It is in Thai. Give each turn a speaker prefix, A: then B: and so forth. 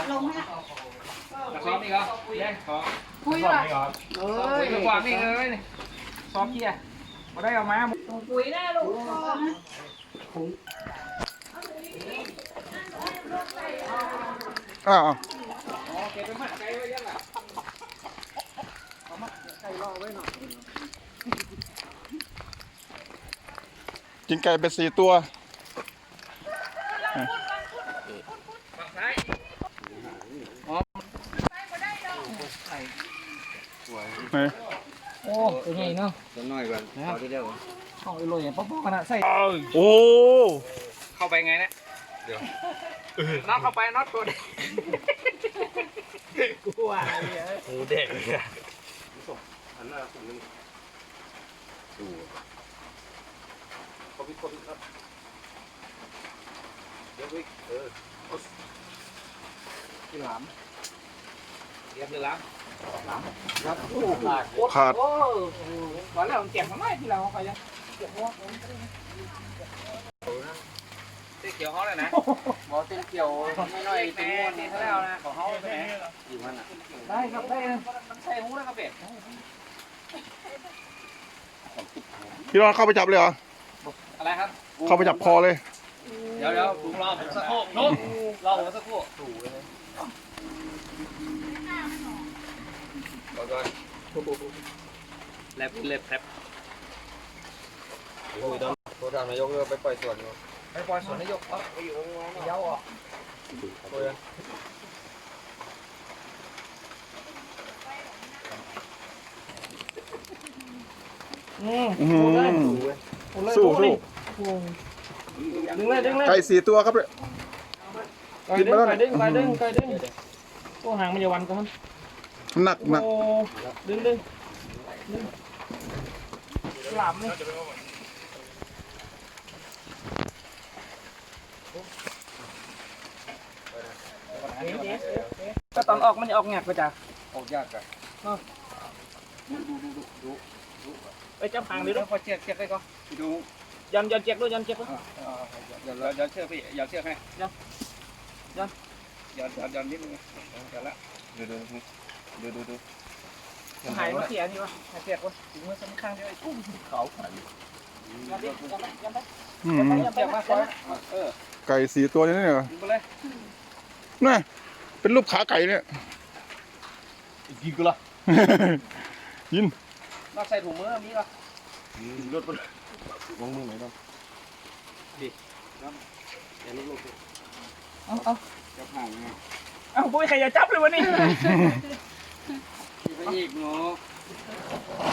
A: ลงฮะ
B: ซ้อมนี่ก็เล่นซ้อม
A: คุยว่ะ
B: คุยกับความนี่เลยซ้อมเกียร์มาได้เอามา
A: คุยแน่ลูก
C: อ้าว
B: เก็บไปหมักไก่ไว้ยังล่ะ
C: กินไก่ไป4 ตัว
B: ฝั่งซ้ายอ๋อ
C: ไหน
B: โอ้ตัวใหญ่เนาะ
D: ตัวน้อยกว่าเอาทีเดียว
B: เอาไปเลยป๊อกๆกันนะใส่
C: โอ้
B: เข้าไปไงเนี่ยเดี๋ยวน็อตเข้าไปน็อตตัวเด็กกูว่าเนี่ย
D: หูเด็กเนี่ยอันนั้นผมนึงดูเขาพิคนครับเดี๋ยววิ
B: ที่หลามเรียบเลยหลาม
D: ครับโอ้ขาด
C: ขาด
B: โอ้ก่อนแล้วมันเจ็บทำไมที่เราไปยังเจ็บหัวเจ๊เขียวเขาเลยนะ
D: บอเส้นเกี่ยวไม่น้อย
B: แม่นี่เท่าแล้วนะของเขาไปไหน
D: อยู่มันอ่ะ
B: ได้ครับได้มันใส่หูแล้วครับเป็ด
C: พี่รอนเข้าไปจับเลยเหรอ
B: อะไรครับ
C: เข้าไปจับคอเลย
B: เดี๋ยวลุงรอผมสักครู่นุ๊กรอผมสักครู่
D: ก่อน
B: แลบเล็บแลบ
D: โอ้ยโทรทางนายกเลยไปปล่อยสวน
B: ไปปล่อยสวนนายกไปอยู่เย้าอ่ะ
D: โอ้ย
C: สู้
B: ดึงเลยดึงเลย
C: ไก่4 ตัวครับเลย
B: ดึงโอ้หางมันจะวันก่อน
C: หนัก
B: โอ้ดึงหลับนี่ก็ตอนออกมันจะออกแงกไปจ้ะ
D: ออกยากกัน
B: ไปจับหางดิลูก
D: พอเชือกได้ก็ดู
B: ยันเจ็กด้วยยันเจ็กด้วย
D: เดี๋ยวเชือกพี่อย่าเชือกให้ยันนิดนึงเดี๋ยวละดู
B: หายมาเสียนี่วะหายเจ็กวะถึงมือสำคัญด้วยกุ้งเขายันดิยันไป
C: อืม
B: ยันเจ็กมาคอย
C: ไก่4 ตัวนี่เนี่ย
B: ดึงไปเลย
C: น่ะเป็นรูปขาไก่เนี่ย
D: กินกูละ
C: ยิน
B: นอกใส่ถุงมือนี้ก็
D: รถวางมือไหนบ้างดิอย่าลุก
B: เอา
D: จะห่างไง
B: เอาปุ้ยใครจะจับเลยวะนี่
D: ไปอีกเนาะ